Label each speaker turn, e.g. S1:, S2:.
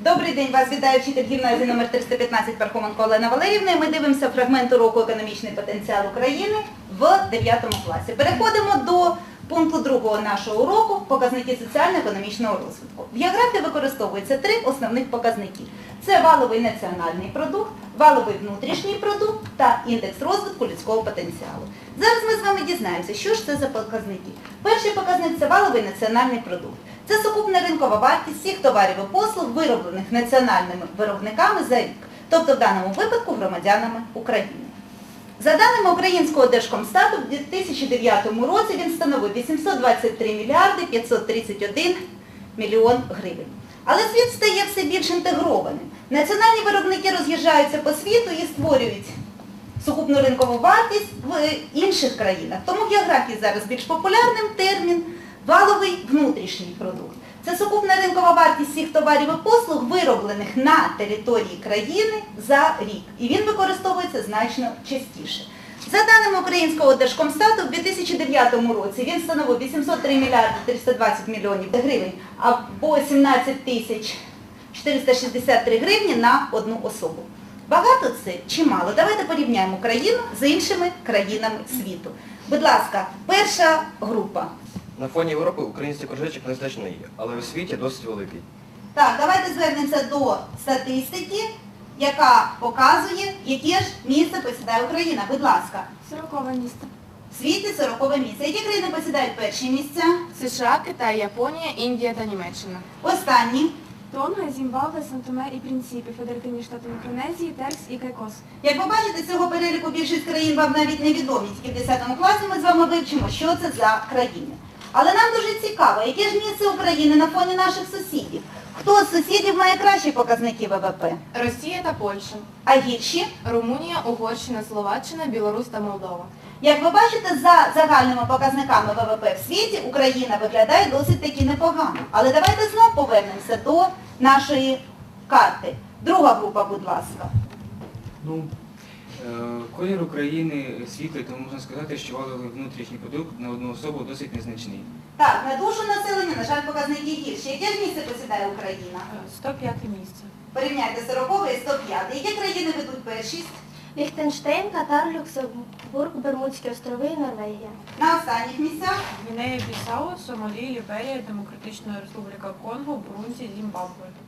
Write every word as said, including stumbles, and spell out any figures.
S1: Добрий день, вас вітає вчитель гімназії номер триста п'ятнадцять Пархоменко Олена Валерівна. Ми дивимося фрагмент уроку «Економічний потенціал України» в дев'ятому класі. Переходимо до пункту другого нашого уроку «Показники соціально-економічного розвитку». В географії використовуються три основних показники. Це валовий національний продукт, валовий внутрішній продукт та індекс розвитку людського потенціалу. Зараз ми з вами дізнаємося, що ж це за показники. Перший показник – це валовий національний продукт. Це сукупна ринкова вартість всіх товарів і послуг, вироблених національними виробниками за рік, тобто в даному випадку громадянами України. За даними Українського Держкомстату, в дві тисячі дев'ятому році він становив вісімсот двадцять три мільярди п'ятсот тридцять один мільйон гривень. Але світ стає все більш інтегрованим. Національні виробники роз'їжджаються по світу і створюють сукупну ринкову вартість в інших країнах. Тому в географії зараз більш популярним термін валовий внутрішній продукт. Це сукупна ринкова вартість всіх товарів і послуг, вироблених на території країни за рік. І він використовується значно частіше. За даними Українського Держкомстату, в дві тисячі дев'ятому році він становив вісімсот три мільярди триста двадцять мільйонів гривень або сімнадцять тисяч чотириста шістдесят три гривні на одну особу. Багато це чи мало? Давайте порівняємо Україну з іншими країнами світу. Будь ласка, перша група.
S2: На фоні Європи український кружечок незначний, але у світі досить великий.
S1: Так, давайте звернемося до статистики, яка показує, яке ж місце посідає Україна. Будь ласка.
S3: Сорокове місце.
S1: В світі сорокове місце. Які країни посідають перші місця?
S3: США, Китай, Японія, Індія та Німеччина.
S1: Останні.
S3: Тонга, Зімбабве, Сан-Томе і Прінсіпі, Федеративні Штати Мікронезії, Теркс і Кайкос.
S1: Як ви бачите, цього переліку більшість країн вам навіть не відомі. Тільки в десятому класі ми з вами вивчимо, що це за країни. Але нам дуже цікаво, яке ж місце України на фоні наших сусідів? Хто з сусідів має кращі показники ВВП?
S3: Росія та Польща.
S1: А гірші?
S3: Румунія, Угорщина, Словаччина, Білорусь та Молдова.
S1: Як ви бачите, за загальними показниками ВВП в світі Україна виглядає досить таки непогано. Але давайте знову повернемося до нашої карти. Друга група, будь ласка.
S4: Ну, е, колір України світлий, тому можна сказати, що валовий внутрішній продукт на одну особу досить незначний.
S1: Так, на душу населення, на жаль, показники гірші. Яке ж місце посідає Україна?
S3: сто п'яте місце.
S1: Порівняйте сорокове і сто п'яте. Які країни ведуть першість?
S5: Ліхтенштейн, Катар, Люксембург, Бермудські острови і Норвегія.
S1: На останніх місцях?
S6: Гвінея-Бісау, Сомалі, Ліберія, Демократична Республіка Конго, Бурунді, Зімбабве.